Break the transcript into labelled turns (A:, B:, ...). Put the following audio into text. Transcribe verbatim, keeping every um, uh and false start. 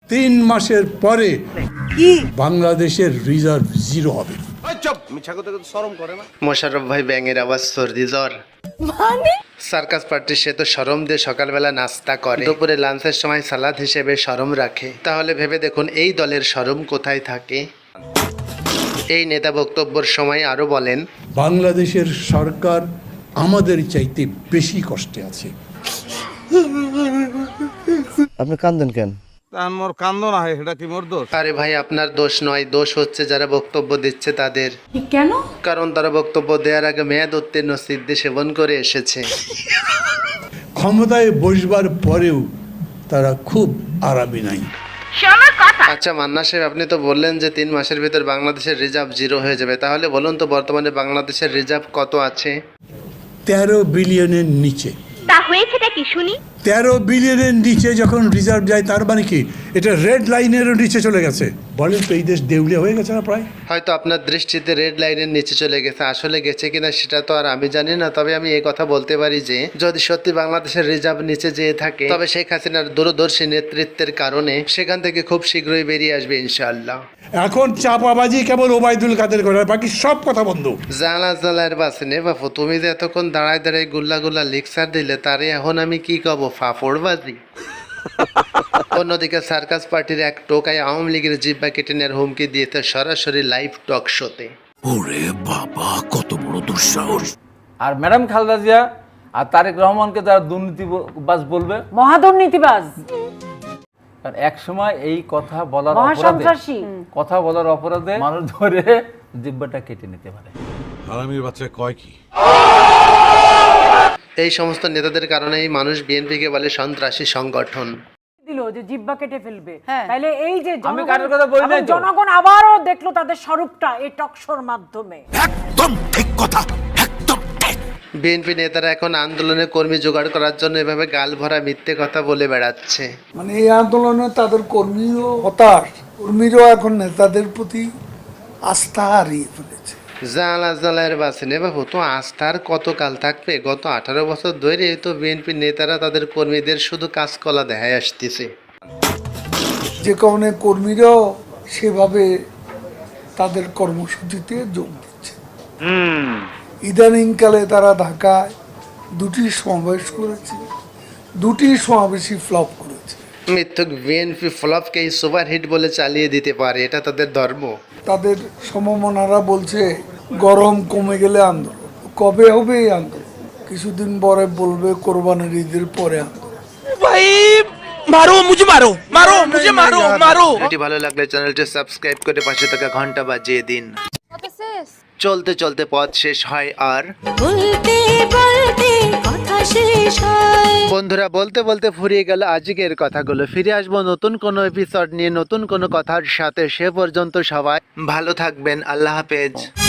A: তিন মাসের পরে বাংলাদেশের রিজার্ভ জিরো হবে।
B: মোশাররফ ভাই ব্যাঙের আওয়াজ, সর্দি জ্বর
C: মানে
B: সার্কাস পার্টির সে তো শরম দিয়ে সকালবেলা নাস্তা করে, দুপুরে লাঞ্চের সময় সালাদ হিসেবে শরম রাখে। তাহলে ভেবে দেখুন এই দলের শরম কোথায় থাকে। এই নেতা বক্তব্যের সময় আরো বলেন,
A: বাংলাদেশের সরকার আমাদের চাইতে বেশি কষ্টে আছে।
D: আপনি কান্দেন কেন?
E: মোর কান্দ না হয় সেটা কি মোর দোষ?
B: আরে ভাই আপনার দোষ নয়, দোষ হচ্ছে যারা বক্তব্য দিচ্ছে তাদের।
C: কেন?
B: কারণ তারা বক্তব্য দেওয়ার আগে মেয়াদ উত্তীর্ণ সিদ্ধি সেবন করে এসেছে।
A: ক্ষমতায় বসবার পরেও তারা খুব আরামে নাই।
B: আচ্ছা মান্না সাহেব, আপনি তো বললেন যে তিন মাসের ভিতর বাংলাদেশের রিজার্ভ জিরো হয়ে যাবে, তাহলে বলুন তো বর্তমানে বাংলাদেশের রিজার্ভ কত আছে?
A: তেরো বিলিয়নের নিচে।
F: তা হয়েছেটা কি শুনি?
A: তেরো বিলিয়নের নিচে যখন রিজার্ভ যায় তার মানে কি এটা রেড লাইনেরও নিচে চলে গেছে? বলেন তো এই দেশ দেউলিয়া হয়ে গেছে না প্রায়?
B: হয়তো আপনার দৃষ্টিতে রেড লাইনের নিচে চলে গেছে, আসলে গেছে কিনা সেটা তো আর আমি জানি না। তবে আমি এই কথা বলতে পারি যে যদি সত্যি বাংলাদেশের রিজার্ভ নিচে যেয়ে থাকে, তবে শেখ হাসিনার দূরদর্শী নেতৃত্বের কারণে সেখান থেকে খুব শীঘ্রই বেরিয়ে আসবে ইনশাআল্লাহ।
A: এখন চাপাবাজি কেবল ওবায়দুল কাদের করে, বাকি সব কথা বন্ধ।
B: জালা জালার বাসে নে বাপু, তুমি যে এতক্ষণ দাঁড়ায় দাঁড়ায় গুল্লা গুল্লা লেকচার দিলে, তারে এখন আমি কি কব? ফাফড়বাজি। অন্যদিকে সার্কাস পার্টির এক টোকায় আওয়ামী লীগের জিব্বা কেটে নেওয়ার হুমকি দিয়েছে সরাসরি লাইভ টক শোতে।
G: ওরে বাবা, কত বড় দুঃসাহস!
E: আর ম্যাডাম খালেদা জিয়া আর তারেক রহমানকে যারা দুর্নীতিবাজ বলবে,
C: মহাদুর্নীতিবাজ,
E: কারণ এক সময় এই কথা বলার অপরাধে
C: মহাসন্ত্রাসী,
E: কথা বলার অপরাধে মানুষ ধরে জিব্বাটা কেটে নিতে পারে।
G: হারামির বাচ্চা কয় কি?
B: এই সমস্ত নেতাদের কারণেই মানুষ বিএনপিকে বলে সন্ত্রাসী সংগঠন।
C: দিল যে জিব্বা কেটে ফেলবে, তাহলে এই যে
E: আমি
C: জনগণ-
E: কারোর কথা বলি নাই
C: এবং
E: তো।
C: জনগণ আবারও দেখলো তাদের স্বরূপটা এই টকশোর মাধ্যমে।
G: একদম ঠিক কথা, একদম ঠিক।
B: বিএনপি নেতারা এখন আন্দোলনে কর্মী জোগাড় করার জন্য এভাবে গাল ভরা মিথ্যে কথা বলে বেড়াচ্ছে।
H: মানে এই আন্দোলনে তাদের কর্মীও হতাশ, কর্মীরাও এখন নেতাদের প্রতি আস্থা হারিয়ে ফেলেছে।
B: জালা জালার বাসে নে বাবু, তো আস্থার কত কাল থাকবে? গত আঠারো বছর ধরে তো বিএনপি নেতারা তাদের কর্মীদের শুধু কাজকলা দেখায় আসতেছে।
H: যে কারণে কর্মীরাও সেভাবে তাদের কর্মসূচিতে যোগ দিচ্ছে। ইদানিংকালে তারা ঢাকায় দুটি সমাবেশ করেছে, দুটি সমাবেশই ফ্লপ করেছে।
B: মিথ্যুক বিএনপি ফ্লপকে এই সুপারহিট বলে চালিয়ে দিতে পারে, এটা তাদের ধর্ম।
H: তাদের সমমনারা বলছে গরম কমে গেলে আন্দোলন। কবে হবে এই আন্দোলন? কিছুদিন পরে বলবে কোরবানির ঈদের পরে আন্দোলন।
G: মারো মুঝে, মারো মারো মুঝে, মারো মারো।
B: এটি ভালো লাগলে চ্যানেলটি সাবস্ক্রাইব করে পাশে থাকা ঘন্টা বাজিয়ে দিন। চলতে চলতে পথ শেষ হয় আর
F: বলতে বলতে কথা শেষ হয়।
B: বন্ধুরা, বলতে বলতে ফুরিয়ে গেল আজকের কথাগুলো। ফিরে আসবো নতুন কোনো এপিসোড নিয়ে, নতুন কোনো কথার সাথে। সে পর্যন্ত সবাই ভালো থাকবেন। আল্লাহ হাফেজ।